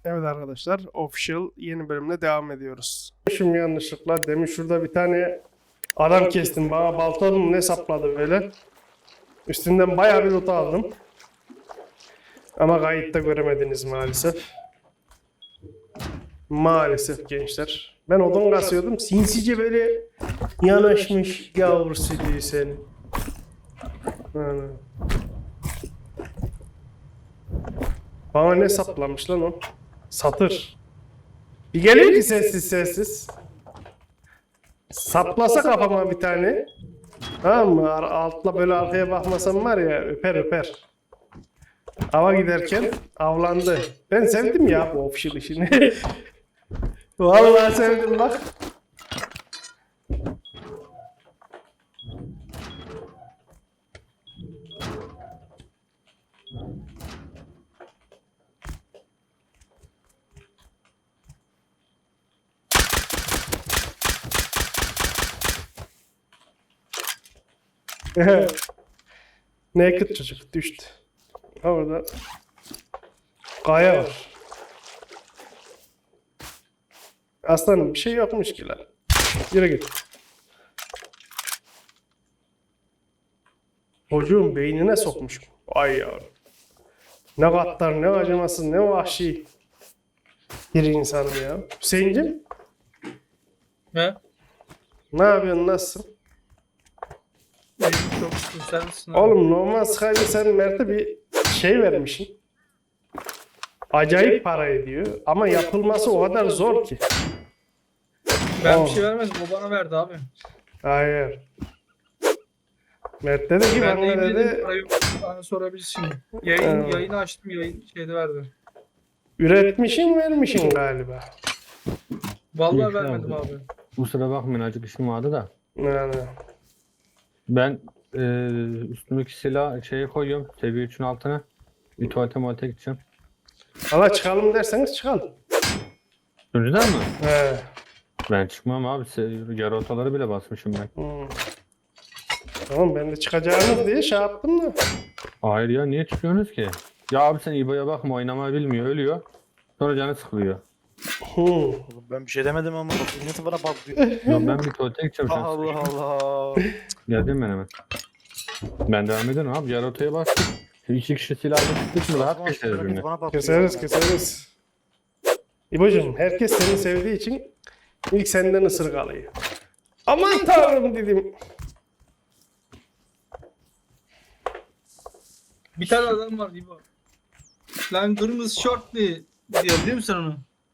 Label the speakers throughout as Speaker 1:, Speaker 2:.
Speaker 1: Evet arkadaşlar, Official yeni bölümle devam ediyoruz. Şimdi yanlışlıkla demin şurada bir tane adam kestim. Bana baltanın ne sapladı böyle. Üstünden bayağı bir loot aldım. Ama kayıtta göremediniz maalesef. Maalesef gençler. Ben odun kasıyordum. Sinsice böyle yanaşmış yavrusu diyor seni. Bana ne saplamış lan o? Satır. Bir geliyor ki sessiz sessiz. Saplasa kafama bir tane. Tamam mı? Altla böyle arkaya bakmasam var ya öper öper. Ava giderken avlandı. Ben sevdim ya bu official işini. Vallahi sevdim bak. Naked çocuk düştü. Orada kaya var. Aslanım bir şey yokmuş ki lan. Yürü git. Çocuğun beynine sokmuş. Ay yavrum. Ne gaddar, ne acımasız, ne vahşi bir insanım ya. Hüseyin'cim
Speaker 2: He?
Speaker 1: ne yapıyorsun, nasılsın?
Speaker 2: Çok güzel misin abi?
Speaker 1: Oğlum normal Skype'de sen Mert'e bir şey vermişsin. Acayip para ediyor ama yapılması o kadar zor ki.
Speaker 2: Ben bir şey vermedim. O bana verdi abi.
Speaker 1: Hayır. Mert dedi ki
Speaker 2: Ben
Speaker 1: bana
Speaker 2: de yemin ederim
Speaker 1: dedi
Speaker 2: para yok. Bana sorabilirsin şimdi.
Speaker 1: Evet.
Speaker 2: Yayını açtım. Yayın şeyde verdi.
Speaker 1: üretmişin vermişin galiba.
Speaker 2: Vallahi
Speaker 3: Yok,
Speaker 2: vermedim
Speaker 3: abi.
Speaker 2: abi.
Speaker 3: Kusura bakmayın acık işim vardı da.
Speaker 1: Yani.
Speaker 3: Ben üstümdeki silah şeye koyuyorum. Seviye 3'ün altına. Bir tuvalete gideceğim.
Speaker 1: Valla çıkalım derseniz çıkalım.
Speaker 3: Önceden mi?
Speaker 1: He.
Speaker 3: Ben çıkmam abi. Yarı otaları bile basmışım ben.
Speaker 1: Tamam ben de çıkacağınız diye şey yaptım da.
Speaker 3: Hayır ya niye çıkıyorsunuz ki? Ya abi sen İbo'ya bakma, oynamayı bilmiyor, ölüyor. Sonra canı sıkılıyor.
Speaker 4: Oğlum ben bir şey demedim ama bak milleti bana patlıyor.
Speaker 3: Ya ben bir tuvalete gideceğim sen
Speaker 4: Allah
Speaker 3: sıkışma.
Speaker 4: Allah.
Speaker 3: Geldim ben hemen. Ben devam ederim abi. Yarı otaya bastık. Şimdi 2 kişi silahla sıktık mı rahat geçeriz
Speaker 4: Milleti
Speaker 3: birbirine.
Speaker 4: bana patlıyor.
Speaker 1: Keseriz keseriz. İbocuğum herkes seni sevdiği için ilk senden ısırık alıyor. Aman tanrım dedim.
Speaker 2: Bir tane adam var İbo. Lan kırmızı şort diye diyor biliyor musun onu?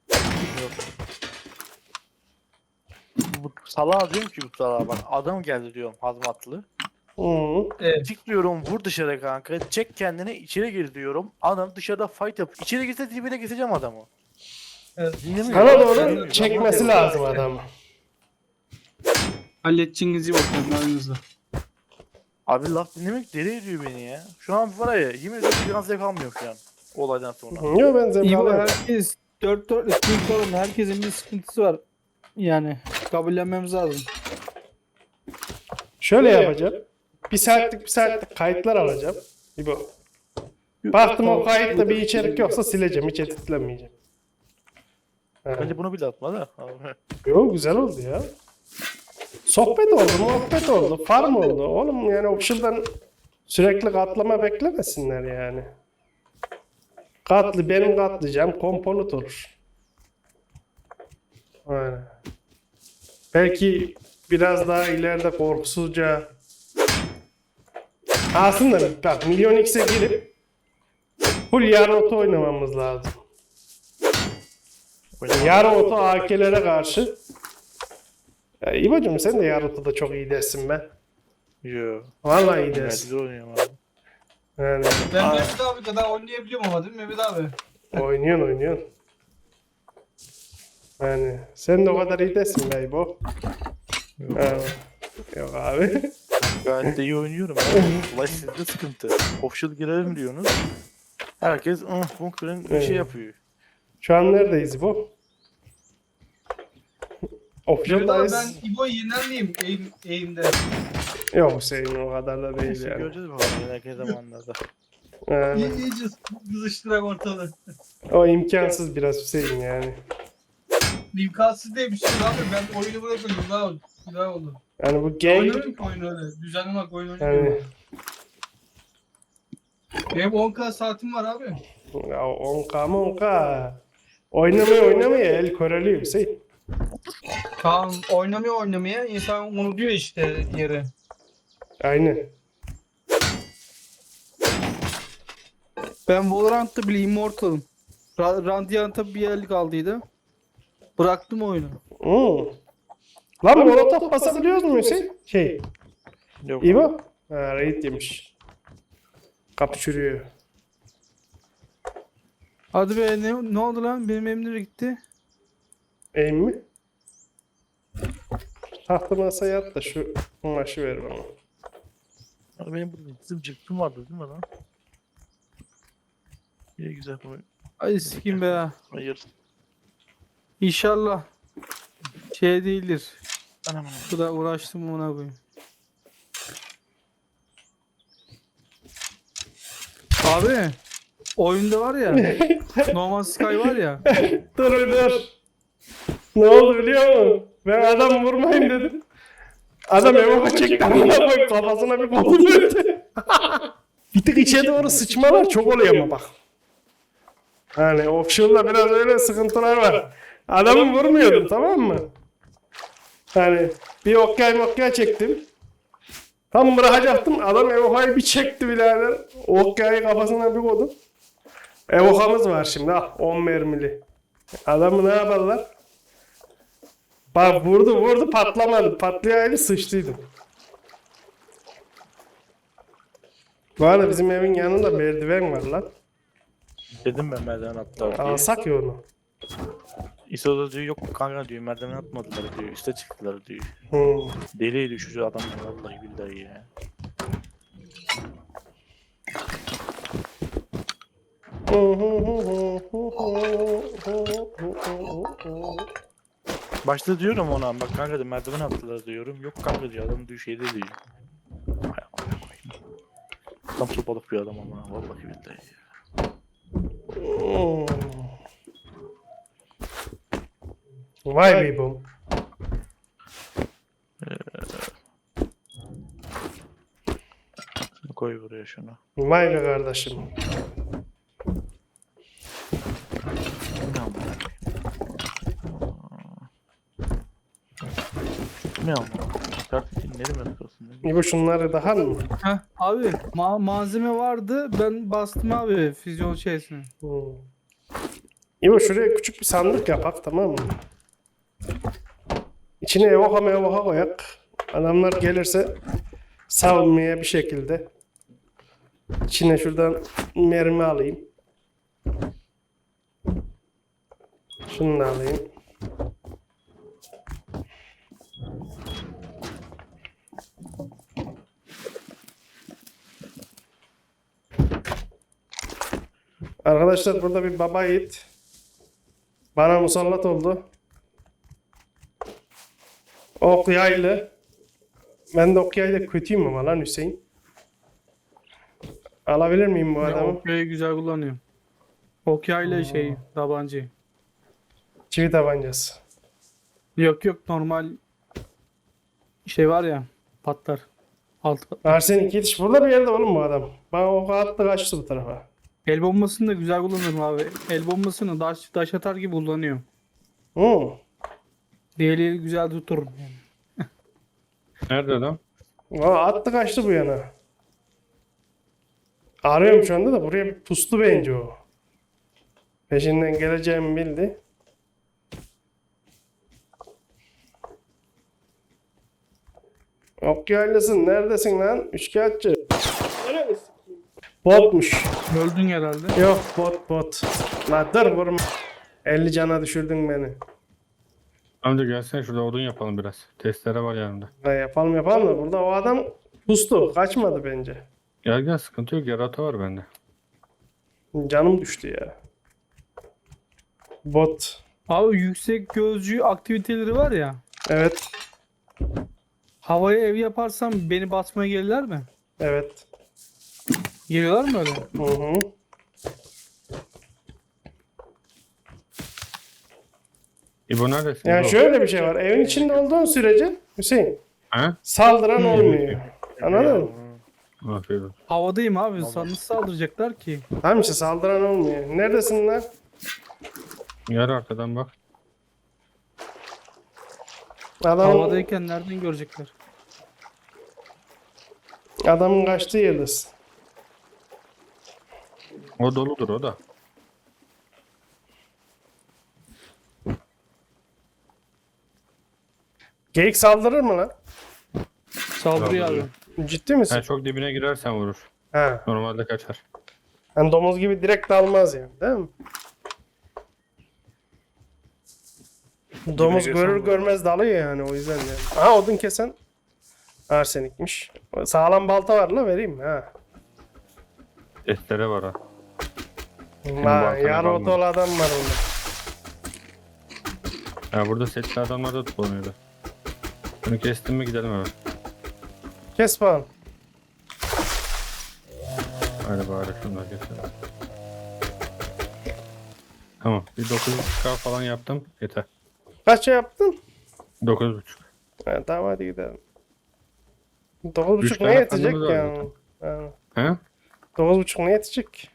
Speaker 4: Bu salağa diyorum ki bu salağa bak adam geldi diyorum hazmatlı.
Speaker 1: Hı.
Speaker 2: Evet.
Speaker 4: Çık diyorum vur dışarı kanka. Çek kendini içeri gir diyorum. Adam dışarıda fight yap. İçeri girse dibine geçeceğim adamı.
Speaker 2: Evet.
Speaker 4: Dinlemiyor.
Speaker 1: Sana doğru
Speaker 4: Dinlemiyor.
Speaker 1: çekmesi lazım adamı.
Speaker 2: Halledeceğinizi bakıyorum aranızda.
Speaker 4: Abi laf dinlemek deli ediyor beni ya. Şu an var ya yemin ediyorum biraz zevk almıyorum şu an. O olaydan sonra.
Speaker 1: Yok ben zevk
Speaker 5: İyi
Speaker 1: alıyorum.
Speaker 5: herkes dört Türk oğlum herkesin bir sıkıntısı var. Yani kabullenmemiz lazım.
Speaker 1: Şöyle yapacağım. Bir saatlik kayıtlar alacağım. İbo. Baktım o kayıtta bir içerik yoksa sileceğim. Hiç editlemeyeceğim.
Speaker 4: Bence bunu bile atma da. Abi.
Speaker 1: Yo güzel oldu ya. Sohbet oldu, muhabbet oldu, farm oldu. Oğlum yani Official'dan sürekli katlama beklemesinler yani. Benim katlayacağım komponent olur. Aynen. Belki biraz daha ileride korkusuzca aslında bak Milyon X'e girip full yarı oto oynamamız lazım. Yarı oto AK'lere karşı. Ya İbo'cum sen de yarı otoda çok iyi dersin be.
Speaker 4: Yo.
Speaker 1: Vallahi iyi
Speaker 4: Ben
Speaker 1: dersin.
Speaker 4: güzel oynuyorum abi.
Speaker 1: Yani
Speaker 2: Ben Mehmet abi kadar oynayabiliyorum ama değil mi Mehmet abi?
Speaker 1: oynuyorsun. Yani sen de o kadar iyi dersin be İbo. Yani, yok abi.
Speaker 4: Gayet de iyi oynuyorum abi. Olay sizde sıkıntı. Official girelim diyorsunuz. Herkes bunker'ın bir şey yapıyor.
Speaker 1: Şu an neredeyiz İbo?
Speaker 2: Mehmet abi
Speaker 1: Official'dayız.
Speaker 2: ben İbo'yu yener miyim eğimde?
Speaker 1: Yok Hüseyin o kadar da değil
Speaker 4: Neyse
Speaker 1: yani.
Speaker 4: göreceğiz bakalım ileriki zamanlarda.
Speaker 2: İyice kızıştırak ortalığı.
Speaker 1: O imkansız biraz Hüseyin yani.
Speaker 2: İmkansız değil bir şey abi. Ben oyunu bırakıyorum. Daha oldu.
Speaker 1: Yani bu gang
Speaker 2: Oynamıyorum ki oyunu öyle. Düzenli bak oyun
Speaker 1: yani
Speaker 2: oynamıyorum. Benim 10K saatim var abi.
Speaker 1: ya 10K mı 10K. Oynamaya el köreliyor Hüseyin.
Speaker 2: Tamam oynamaya insan unutuyor işte yeri.
Speaker 1: Aynen.
Speaker 5: Ben Valorant'ta bile Immortal'ım. Radiant'a bir yerlik aldıydı. Bıraktım oyunu.
Speaker 1: Lan molotof basabiliyoruz mu Hüseyin?
Speaker 4: Yok.
Speaker 1: İbo? Ha, raid yemiş. Kapı çürüyor.
Speaker 5: Hadi be ne oldu lan? Benim elim nereye gitti?
Speaker 1: Eğim mi? Tahta masaya at da şu kumaşı ver bana.
Speaker 4: Abi benim burada dizim çıktım vardı değil mi lan? İyi güzel bu.
Speaker 5: Ay sikim be.
Speaker 4: Hayır.
Speaker 5: İnşallah şey değildir.
Speaker 4: Anam.
Speaker 5: Bu da uğraştım ona koyayım. Abi oyunda var ya Norman Sky var ya
Speaker 1: Dur. Ne oldu biliyor musun? Ben adam vurmayayım dedim. Adam eve çekti. Amına koyayım kafasına bir kolu verdi. Bir tık içe doğru sıçmalar çok oluyor ama bak. Hani Offshore'da biraz öyle sıkıntılar var. Adamı vurmuyordum tamam mı? Hani bir okyay çektim. Tam bırakacaktım. Adam evokayı bir çekti birader. Okyayı kafasına bir koydum. Evokamız var şimdi. 10 mermili. Adamı ne yaparlar? Bak vurdu patlamadı. Patlayaydı sıçtıydım. Bu arada bizim evin yanında merdiven var lan.
Speaker 4: Dedim ben merdiven attılar diye.
Speaker 1: Alsak ya onu.
Speaker 4: İso da diyor yok kanka diyor merdiven atmadılar diyor. Üste çıktılar diyor. Deliydi şu adam vallahi billahi ya. Başta diyorum ona bak kanka da merdiven attılar diyorum. Yok kanka diyor adam diyor şeyde diyor. Hay amına koyayım. Tam sopalık bir adam ama vallahi billahi ya.
Speaker 1: Vay be bu.
Speaker 4: Koy buraya şunu.
Speaker 1: Vay be kardeşim.
Speaker 4: Ne amına koyayım? Ne amına koyayım? Kardeşim ne demek olsun?
Speaker 1: Bu şunları daha mı?
Speaker 5: Heh, abi malzeme vardı ben bastım abi füzyon şeysini.
Speaker 1: İbo şuraya küçük bir sandık yapak tamam mı? İçine evoka koyak. Adamlar gelirse savunmaya bir şekilde. İçine şuradan mermi alayım. Şunu da alayım. Arkadaşlar burada bir baba yiğit bana musallat oldu. Ok yaylı. Ben de ok yayla kötüyüm ama lan Hüseyin. Alabilir miyim bu adamı?
Speaker 5: Okyayı güzel kullanıyorum. Okyayla şey tabancayı.
Speaker 1: Çivi tabancası.
Speaker 5: Yok normal şey var ya patlar. Alt
Speaker 1: Arsen iki yetiş burada bir yerde oğlum bu adam. Bana ok attı kaçtı bu tarafa.
Speaker 5: El bombasını da güzel kullanırım abi. El bombasını daş atar gibi kullanıyorum. Diğerleri güzel tuturum yani.
Speaker 3: Nerede adam?
Speaker 1: Attı kaçtı bu yana. Arıyorum şu anda da buraya bir puslu bence o. Peşinden geleceğimi bildi. Ok yaylısın neredesin lan? Üçkağıtçı. Botmuş.
Speaker 5: Öldün herhalde.
Speaker 1: Yok bot. La dur vurma. 50 cana düşürdün beni.
Speaker 3: Amca gelsene şurada odun yapalım biraz. Testere var yanımda.
Speaker 1: Ha, yapalım da burada o adam pustu. Kaçmadı bence.
Speaker 3: Gel sıkıntı yok yarata var bende.
Speaker 1: Canım düştü ya. Bot.
Speaker 5: Abi yüksek gözcü aktiviteleri var ya.
Speaker 1: Evet.
Speaker 5: Havaya ev yaparsam beni basmaya gelirler mi?
Speaker 1: Evet.
Speaker 5: Geliyorlar mı öyle?
Speaker 1: Hı hı.
Speaker 3: İbo neredesin?
Speaker 1: Yani
Speaker 3: İbo?
Speaker 1: şöyle bir şey var. Evin içinde olduğun sürece Hüseyin
Speaker 3: Ha?
Speaker 1: saldıran olmuyor. Anladın mı?
Speaker 3: Afiyet olsun.
Speaker 5: Havadayım abi. Nasıl saldıracaklar ki?
Speaker 1: Tamam işte saldıran olmuyor. Neredesin lan?
Speaker 3: Yer arkadan bak.
Speaker 5: Havadayken nereden görecekler?
Speaker 1: Adamın kaçtığı yerdesin.
Speaker 3: O doludur o da.
Speaker 1: Geyik saldırır mı lan?
Speaker 5: Saldırıyor abi.
Speaker 1: Ciddi misin?
Speaker 3: Yani çok dibine girersen vurur.
Speaker 1: Ha.
Speaker 3: Normalde kaçar.
Speaker 1: Yani domuz gibi direkt dalmaz yani, değil mi? Domuz
Speaker 4: girsen
Speaker 1: görür
Speaker 4: bu.
Speaker 1: görmez dalıyor yani, o yüzden yani. Aha, odun kesen arsenikmiş. Sağlam balta var la, vereyim mi? Ha.
Speaker 3: Testere var ha.
Speaker 1: Ha,
Speaker 3: baltana
Speaker 1: yarı
Speaker 3: dalmadı.
Speaker 1: otolu adam var onda.
Speaker 3: Ya burada setli adamlar da tutuluyordu. Bunu kestim mi gidelim hemen.
Speaker 1: Kes bakalım.
Speaker 3: Hadi bari şunları keselim. Tamam. Bir 9.5K falan yaptım. Yeter.
Speaker 1: Kaç yaptın?
Speaker 3: 9.5.
Speaker 1: Ha, tamam hadi gidelim. 9.5
Speaker 3: Üç
Speaker 1: ne
Speaker 3: tane
Speaker 1: yetecek
Speaker 3: fandımız var
Speaker 1: ya? Ha.
Speaker 3: He?
Speaker 1: 9.5 ne yetecek?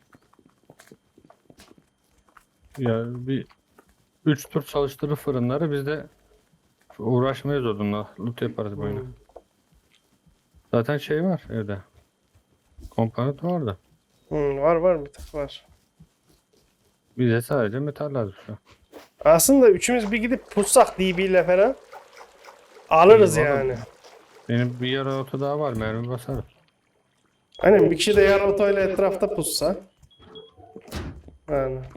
Speaker 3: Ya bir 3 tur çalıştırır fırınları, biz de uğraşmayız onunla. Loot yaparız bu oyunu. Zaten şey var evde. Komponent vardı.
Speaker 1: Var var, bir tık var.
Speaker 3: Bize sadece metal lazım şu an.
Speaker 1: Aslında üçümüz bir gidip pussak DB ile falan alırız
Speaker 3: İyi, vallahi.
Speaker 1: yani.
Speaker 3: Benim bir yarı oto daha var, mermi basarım.
Speaker 1: Aynen, bir kişi de yarı otoyla etrafta pussa. Yani.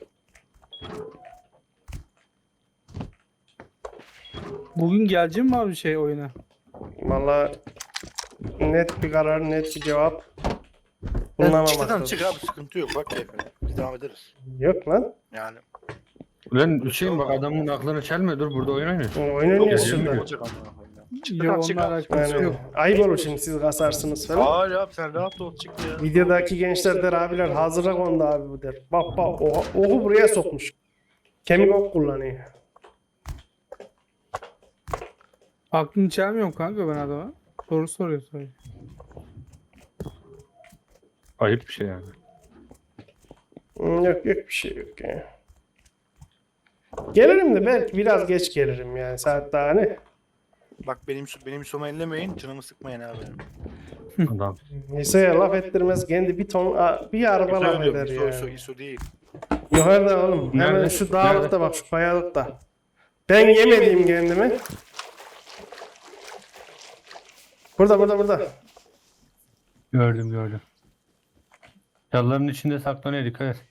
Speaker 5: Bugün gelecek mi abi şey oyuna?
Speaker 1: Valla net bir karar, net bir cevap
Speaker 4: Çıktıdan
Speaker 1: bulunamamaktadır.
Speaker 4: çık abi, sıkıntı yok, bak keyfine. Biz devam ederiz.
Speaker 1: Yok lan.
Speaker 4: Yani.
Speaker 3: Ulan Hüseyin bak, adamın aklını çelme, dur burada oyun oynuyor.
Speaker 1: Oyun oynuyoruz
Speaker 3: Yok,
Speaker 1: şurada.
Speaker 4: Olacak amına koyayım ya.
Speaker 5: Yok
Speaker 4: Çıktıdan çık
Speaker 5: onunla
Speaker 4: abi.
Speaker 5: alakası
Speaker 1: Yani
Speaker 5: yok.
Speaker 1: ayıp olur şimdi, siz kasarsınız falan.
Speaker 4: Hayır abi, sen rahat ol, çık ya.
Speaker 1: Videodaki gençler der, abiler hazıra kondu abi bu der. Bak bak, oku buraya sokmuş. Kemik ok kullanıyor.
Speaker 5: Aklını çelmiyorum kanka ben adama. Soru soruyor sadece.
Speaker 3: Ayıp bir şey yani.
Speaker 1: Yok yok, bir şey yok ya. Gelirim de belki biraz geç gelirim yani, saat daha ne?
Speaker 4: Bak benim soma ellemeyin, canımı sıkmayın abi.
Speaker 3: Adam.
Speaker 1: Liseye laf ettirmez, kendi bir ton bir araba laf eder ya.
Speaker 4: İso değil.
Speaker 1: Yukarıda oğlum. Hemen
Speaker 3: Nerede?
Speaker 1: şu dağlıkta bak, şu kayalıkta. Ben yemediğim kendimi. Burada.
Speaker 3: Gördüm. Çalıların içinde saklanıyor, dikkat et.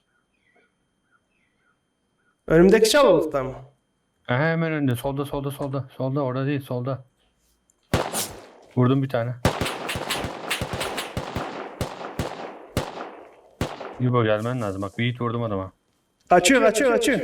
Speaker 1: Önümdeki çalılıkta mı?
Speaker 3: Aha, hemen önünde, solda. Solda, orada değil, solda. Vurdum bir tane. İbo gelmen lazım, bak bir hit vurdum adama.
Speaker 1: Kaçıyor.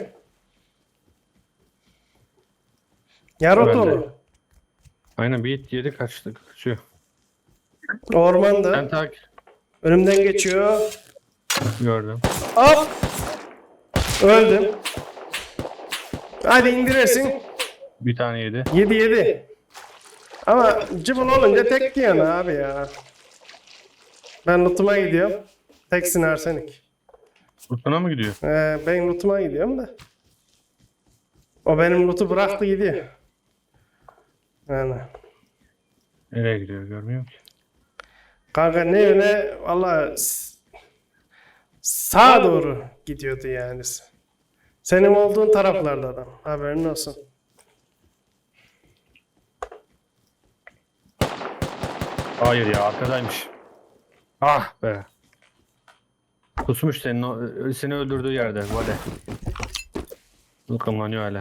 Speaker 1: Yarotolu.
Speaker 3: Aynen, bir hit yedi, kaçıyor.
Speaker 1: Ormanda.
Speaker 3: Ben takip
Speaker 1: Önümden geçiyor.
Speaker 3: gördüm.
Speaker 1: Hop. Öldüm. Hadi indirirsin.
Speaker 3: Bir tane yedi.
Speaker 1: 7. Ama cıbıl olunca tek diyorsun abi ya. Ben lootuma gidiyorum. Teksin arsenik.
Speaker 3: Utuna mı gidiyor?
Speaker 1: Ben lootuma gidiyorum da. O benim lootu bıraktı gidiyor. Yani.
Speaker 3: Nereye gidiyor görmüyorum ki.
Speaker 1: Kanka ne yöne, valla sağa doğru gidiyordu yani. Senin olduğun taraflarda adam. Haberin olsun.
Speaker 3: Hayır ya, arkadaymış. Ah be. Kusmuş seni öldürdüğü yerde. Vale. Ilkımlanıyor hala.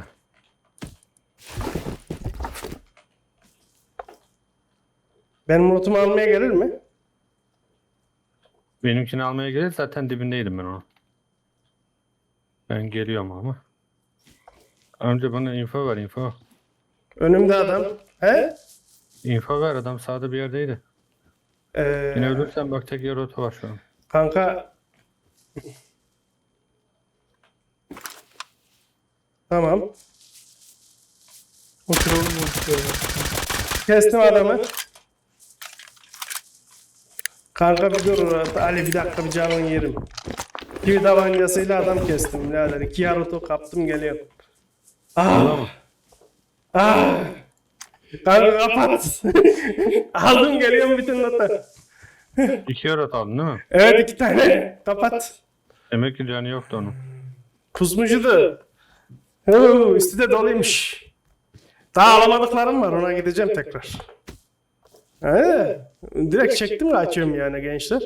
Speaker 1: Benim lootumu almaya gelir mi?
Speaker 3: Benimkini almaya gelir, zaten dibindeydim ben onu. Ben geliyorum ama. Önce bana info ver, info.
Speaker 1: Önümde adam. He?
Speaker 3: Info ver, adam sağda bir yerdeydi. Yine ölürsen bak tek yer otu var şu an.
Speaker 1: Kanka. Tamam.
Speaker 5: Oturalım oturalım.
Speaker 1: Kestim adamı. Kanka bir dur. Ali bir dakika bir canını yerim. Bir tabancasıyla adam kestim birader. 2 yarotu kaptım geliyorum. Ah. Ah. Kanka kapat. Aldım geliyorum bütün notu.
Speaker 3: 2 yer otu aldın değil mi?
Speaker 1: Evet 2 tane. Kapat.
Speaker 3: Demek ki canı yoktu onun.
Speaker 1: Pusmucudu. Üstü de doluymuş. Daha alamadıklarım var ona gideceğim tekrar. Direkt çektim kaçıyorum yani gençler.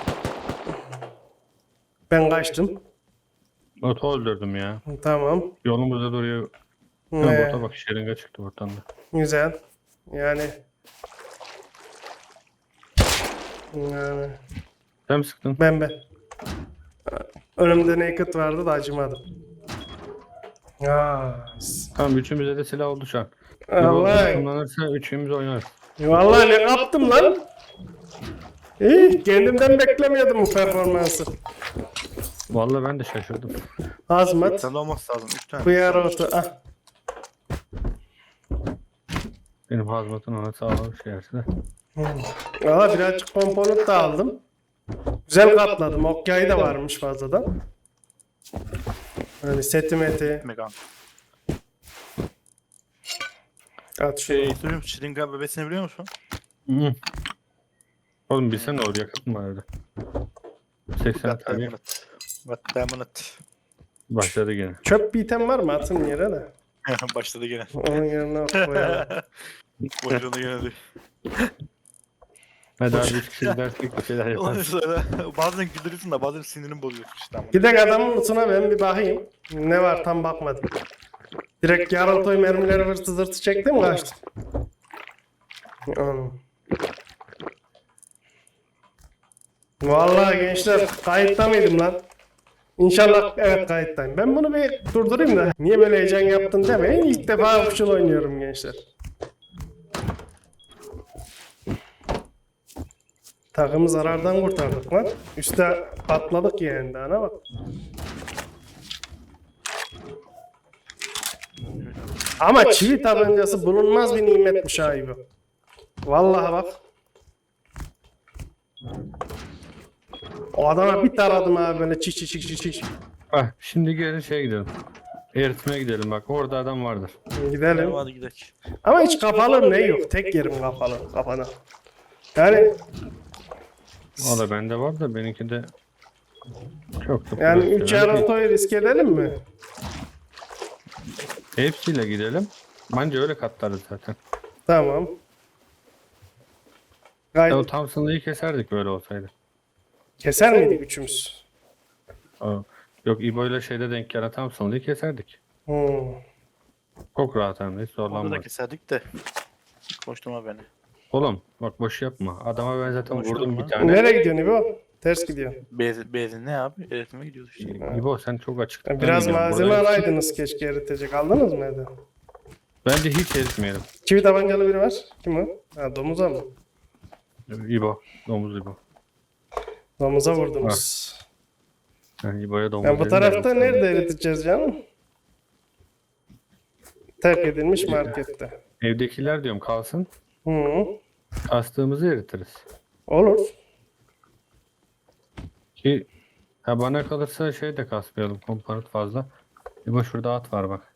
Speaker 1: Ben kaçtım.
Speaker 3: Otu öldürdüm ya.
Speaker 1: Tamam.
Speaker 3: Yolumuzda duruyor. Ha, bota bak şırınga çıktı oradan da.
Speaker 1: Güzel. Yani.
Speaker 3: Sen mi sıktın?
Speaker 1: Ben. Önümde naked vardı da acımadım.
Speaker 3: Tamam üçümüze de silah oldu şu an. Bir
Speaker 1: Allah.
Speaker 3: kullanırsa üçümüz oynarız.
Speaker 1: Vallahi ne yaptım lan? İyi, kendimden beklemiyordum bu performansı.
Speaker 3: Vallahi ben de şaşırdım.
Speaker 1: Azmat,
Speaker 4: Sen de olması lazım. 3 tane.
Speaker 1: hıyar otu. Ah.
Speaker 3: Benim hazmatın ona sağlam şey yerse de.
Speaker 1: Valla birazcık komponent da aldım. Güzel katladım. Okyayı da varmış fazladan. Hani seti meti.
Speaker 4: Megan.
Speaker 1: At şunu.
Speaker 4: Soruyorum şırınga bebesini biliyor musun?
Speaker 3: Hı. Oğlum bilsene oraya yakıt mı var evde? 80 tabii.
Speaker 4: Vatdamanat.
Speaker 3: Başladı gene.
Speaker 1: Çöp bir item var mı? Atın yere de.
Speaker 4: Başladı gene.
Speaker 1: Onun yerine koyalım.
Speaker 4: Boşuna gene diyor.
Speaker 3: Hadi abi 3 kişi dersek bir şeyler
Speaker 4: Ondan
Speaker 3: yaparız.
Speaker 4: sonra bazen güldürürsün de bazen sinirini bozuyorsun işte ama.
Speaker 1: Gidek adamın lootuna ben bir bakayım. Ne var tam bakmadım. Direkt yaraltoy mermileri hırtı zırtı çektim kaçtım. Vallahi gençler kayıtta mıydım lan? İnşallah evet kayıttayım. Ben bunu bir durdurayım da. Niye böyle heyecan yaptın demeyin. İlk defa official oynuyorum gençler. Takımı zarardan kurtardık lan. Üste atladık yani daha ne bak. Ama çivi tabancası bulunmaz bir nimetmiş ha İbo. Vallahi bak. O adama bir taradım abi böyle çiş çiş çiş çiş.
Speaker 3: Ah, şimdi gelin şeye gidelim. Eritmeye gidelim bak orada adam vardır.
Speaker 1: Gidelim.
Speaker 4: Tamam hadi gidelim.
Speaker 1: Ama hiç kafalı ne yok. Tek yerim kafalı kafana. Yani
Speaker 3: O da bende var da benimki de çok da
Speaker 1: yani
Speaker 3: profesyonel
Speaker 1: 3
Speaker 3: değil.
Speaker 1: yaratoyu risk edelim mi?
Speaker 3: Hepsiyle gidelim. Bence öyle katlarız zaten.
Speaker 1: Tamam.
Speaker 3: Ya o
Speaker 1: Gayet
Speaker 3: Thompson'lığı keserdik böyle olsaydı.
Speaker 1: keser miydik üçümüz?
Speaker 3: Yok İbo ile şeyde denk gelen Thompson'lığı keserdik. Çok rahat hem de hiç
Speaker 4: Onu da
Speaker 3: zorlanmadı.
Speaker 4: keserdik de. Koşturma beni.
Speaker 3: Oğlum bak boş yapma. Adama ben zaten
Speaker 4: Konuştum
Speaker 3: vurdum
Speaker 4: lan.
Speaker 3: bir tane.
Speaker 1: Nereye gidiyorsun İbo? Ters gidiyor.
Speaker 4: Bezin ne abi? Eğitime gidiyoruz işte.
Speaker 3: İbo sen çok açıklıktan
Speaker 1: Biraz
Speaker 3: gidiyorsun.
Speaker 1: malzeme
Speaker 3: Buraya-
Speaker 1: alaydınız keşke eritecek. Aldınız mı evde?
Speaker 3: Bence hiç eritmeyelim.
Speaker 1: Çivi tabancalı biri var. Kim o? Ha, domuza mı?
Speaker 3: İbo. Domuz İbo.
Speaker 1: Domuza vurdunuz.
Speaker 3: Yani İbo'ya domuz
Speaker 1: Yani bu
Speaker 3: dedim
Speaker 1: tarafta
Speaker 3: de-
Speaker 1: nerede eriteceğiz canım? Terk edilmiş markette.
Speaker 3: Evdekiler diyorum kalsın.
Speaker 1: Hı.
Speaker 3: Kastığımızı eritiriz.
Speaker 1: Olur.
Speaker 3: Ki ha bana kalırsa şey de kasmayalım komponent fazla. İbo şurada at var bak.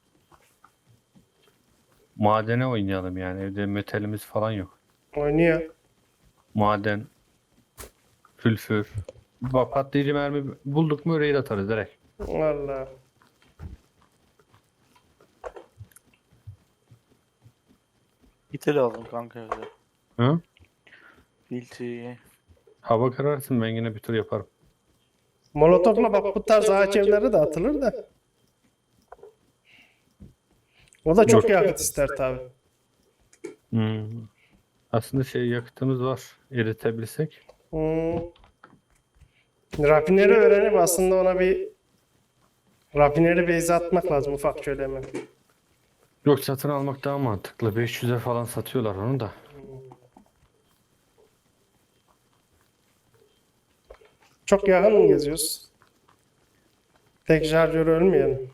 Speaker 3: Madene oynayalım yani evde metalimiz falan yok.
Speaker 1: Oynuyor.
Speaker 3: Maden, sülfür. Bak patlayıcı mermi bulduk mu raid atarız direkt.
Speaker 1: Valla.
Speaker 4: Giteli aldım kanka evde.
Speaker 3: Hı?
Speaker 4: Filtri.
Speaker 3: Hava kararsın ben yine bir tur yaparım.
Speaker 1: Molotofla bak bu tarz ağaç evleri de atılır da. O da çok
Speaker 3: Yok.
Speaker 1: yakıt ister tabi.
Speaker 3: Hmm. Aslında şey yakıtımız var. Eritebilsek.
Speaker 1: Rafineri öğrenip aslında ona bir rafineri base atmak lazım ufak şöyle hemen.
Speaker 3: Yok satın almak daha mantıklı. 500'e falan satıyorlar onu da.
Speaker 1: Çok yakın geziyoruz. Tek şarjör ölmeyelim.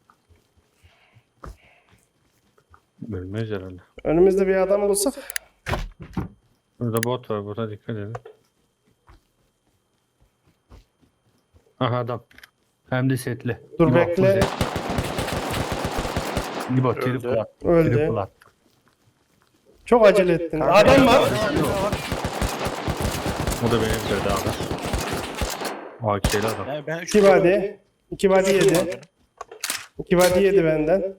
Speaker 3: Ölmez herhalde.
Speaker 1: Önümüzde bir adam bulsak.
Speaker 3: Burada bot var. Burada dikkat edin. Aha adam. Hem de setli.
Speaker 1: Dur
Speaker 3: İbo,
Speaker 1: bekle.
Speaker 3: İbo triple at.
Speaker 1: Öldü.
Speaker 3: Triple at.
Speaker 1: Çok acele ettin. Adam var.
Speaker 3: O da benim dedi abi. AK'li adam.
Speaker 4: Yani ben
Speaker 1: 2 body. 2 body yedi. 2 body yedi benden.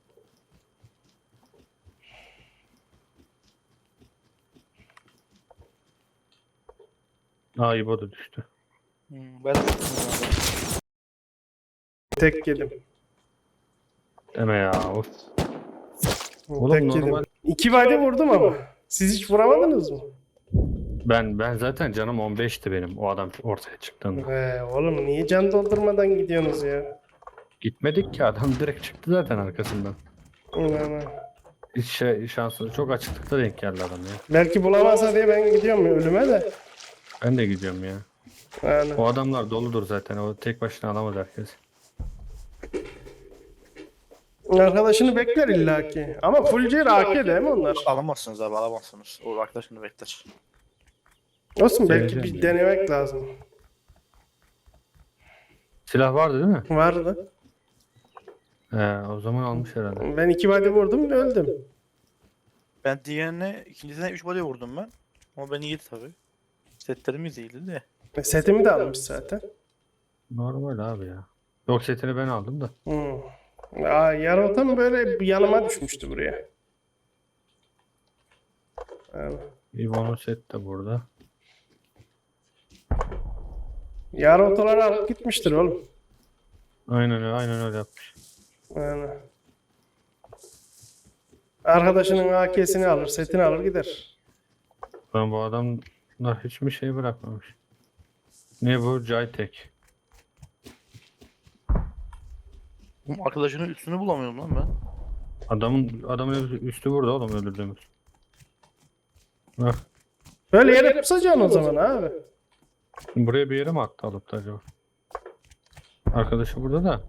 Speaker 3: Aa İbo da düştü.
Speaker 4: Ben de
Speaker 1: Tek yedim.
Speaker 3: Deme ya. Of. Oğlum
Speaker 1: Tek
Speaker 3: normal.
Speaker 1: yedim. 2 body vurdum ama. Siz hiç vuramadınız mı?
Speaker 3: Ben zaten canım 15'ti benim o adam ortaya çıktığında.
Speaker 1: Oğlum niye can doldurmadan gidiyorsunuz ya?
Speaker 3: Gitmedik ki adam direkt çıktı zaten arkasından.
Speaker 1: Yani.
Speaker 3: Hiç şansı çok açıklıkta denk geldi adam ya.
Speaker 1: Belki bulamazsa diye ben gidiyorum ya ölüme de.
Speaker 3: Ben de gidiyorum ya.
Speaker 1: Yani.
Speaker 3: O adamlar doludur zaten. O tek başına alamaz herkes.
Speaker 1: Arkadaşını bekler illaki. Ama full C AK değil mi onlar?
Speaker 4: alamazsınız abi alamazsınız. O arkadaşını bekler.
Speaker 1: Olsun belki
Speaker 3: Deneyeceğim
Speaker 1: bir
Speaker 3: ya.
Speaker 1: denemek lazım.
Speaker 3: Silah vardı değil mi?
Speaker 1: Vardı.
Speaker 3: O zaman almış herhalde.
Speaker 1: Ben 2 body vurdum ve öldüm.
Speaker 4: Ben diğerine ikincisine 3 body vurdum ben. Ama beni yedi tabi. Setlerimiz iyiydi de.
Speaker 1: Setimi de almış zaten.
Speaker 3: Normal abi ya. Yok setini ben aldım da.
Speaker 1: Yarı tam böyle yanıma düşmüştü buraya. Yani.
Speaker 3: İbo'nun set de burada.
Speaker 1: Yarı otoları alıp gitmiştir oğlum.
Speaker 3: Aynen öyle yapmış.
Speaker 1: Yani. Arkadaşının AK'sini alır, setini alır gider.
Speaker 3: Ben bu adamlar hiçbir şey bırakmamış. Ne bu? Jaytek.
Speaker 4: Bu arkadaşının üstünü bulamıyorum lan ben.
Speaker 3: Adamın üstü burada oğlum öldürdüğümüz. Bak.
Speaker 1: Böyle yere pusacaksın o zaman abi.
Speaker 3: Buraya bir yere mi attı alıp da acaba? Arkadaşı burada da.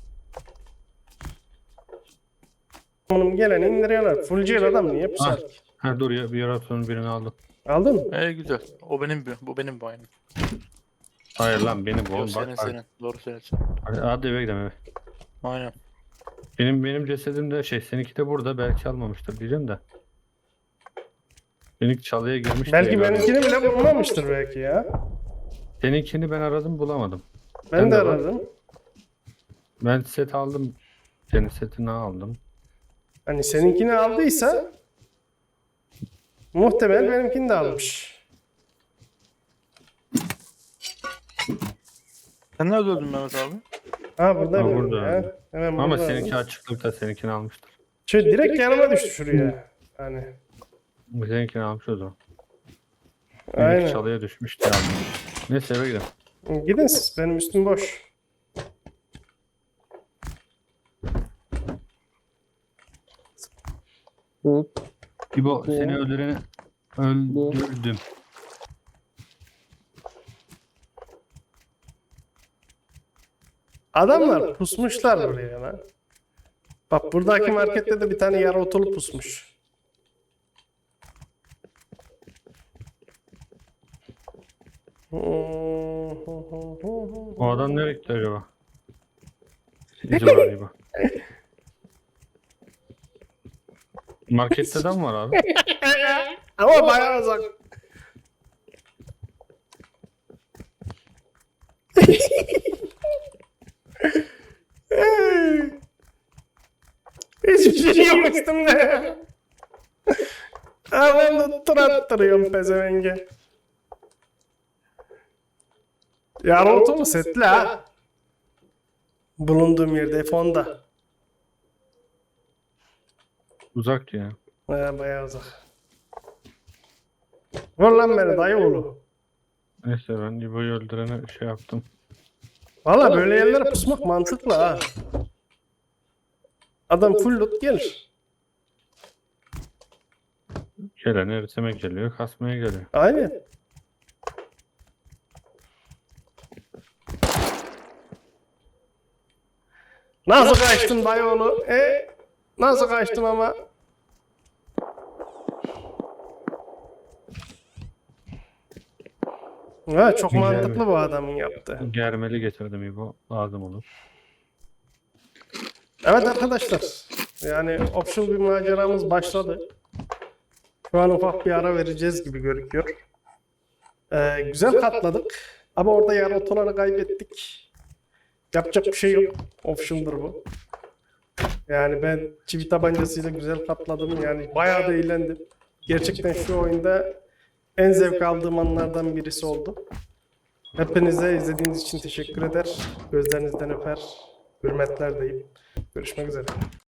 Speaker 1: Onun geleni indiriyorlar. Full C adam niye pusar ki?
Speaker 3: Ha dur ya bir yaratıcının birini aldım.
Speaker 1: Aldın mı?
Speaker 4: Güzel. O benim bu benim bu aynı.
Speaker 3: Hayır lan benim bu
Speaker 4: Yok
Speaker 3: oğlum
Speaker 4: senin
Speaker 3: bak.
Speaker 4: senin. Doğru söylüyorsun.
Speaker 3: Hadi eve gidelim eve.
Speaker 4: Aynen.
Speaker 3: Benim cesedim de seninki de burada belki almamıştır diyeceğim de. Benimki çalıya girmiş
Speaker 1: Belki
Speaker 3: diye gördüm.
Speaker 1: benimkini bile bulmamıştır belki ya.
Speaker 3: Seninkini ben aradım bulamadım.
Speaker 1: Ben
Speaker 3: Ben
Speaker 1: de
Speaker 3: de var.
Speaker 1: aradım.
Speaker 3: Ben set aldım. Senin setini aldım.
Speaker 1: Hani seninkini aldıysa muhtemelen benimkini de almış.
Speaker 4: Sen nerede öldün Mehmet abi?
Speaker 1: Ha burada
Speaker 3: Ha,
Speaker 1: mı?
Speaker 3: burada.
Speaker 1: Ya. Hemen
Speaker 3: Ama
Speaker 1: burada.
Speaker 3: seninki açıklıkta seninkini almıştır.
Speaker 1: Şu direkt yanıma düştü şuraya. Hani.
Speaker 3: Seninkini almış o zaman. Benimki
Speaker 1: Aynen.
Speaker 3: çalıya düşmüş diye aldım. Neyse eve gidelim.
Speaker 1: Gidin siz. Benim üstüm boş.
Speaker 3: İbo seni öldüreni öldürdüm.
Speaker 1: Adamlar pusmuşlar buraya lan. Bak buradaki markette de bir tane yarı otolu pusmuş.
Speaker 3: O adam nereye gitti acaba? İzi var İbo. Markette adam var abi.
Speaker 1: Ama bayağı uzak. Hiçbir şey yok üstümde. Ben de tur attırıyorum pezevenge. Yarı otolu setli ha. Bulunduğum yerde F10'da.
Speaker 3: Uzak ya.
Speaker 1: Bayağı uzak. Vur lan beni dayı oğlu.
Speaker 3: Neyse ben İbo'yu öldürene şey yaptım.
Speaker 1: Valla böyle yerlere pusmak mantıklı ha. Adam full loot gelir.
Speaker 3: Gelen eritime geliyor, kasmaya geliyor.
Speaker 1: Aynen. Nasıl kaçtın dayıoğlu? Nasıl kaçtın ama? Ha, çok
Speaker 3: Güzel
Speaker 1: mantıklı
Speaker 3: mi?
Speaker 1: bu adamın yaptığı.
Speaker 3: Germeli getirdim İbo. Lazım olur.
Speaker 1: Evet arkadaşlar. Yani option bir maceramız başladı. Şu an ufak bir ara vereceğiz gibi görünüyor. Güzel katladık. Ama orada yarı otoları kaybettik. Yapacak bir şey yok. Option'dur bu. Yani ben çivi tabancasıyla güzel katladım. Yani bayağı da eğlendim. Gerçekten şu oyunda en zevk aldığım anlardan birisi oldu. Hepinize izlediğiniz için teşekkür eder. Gözlerinizden öper. Hürmetler deyip görüşmek üzere.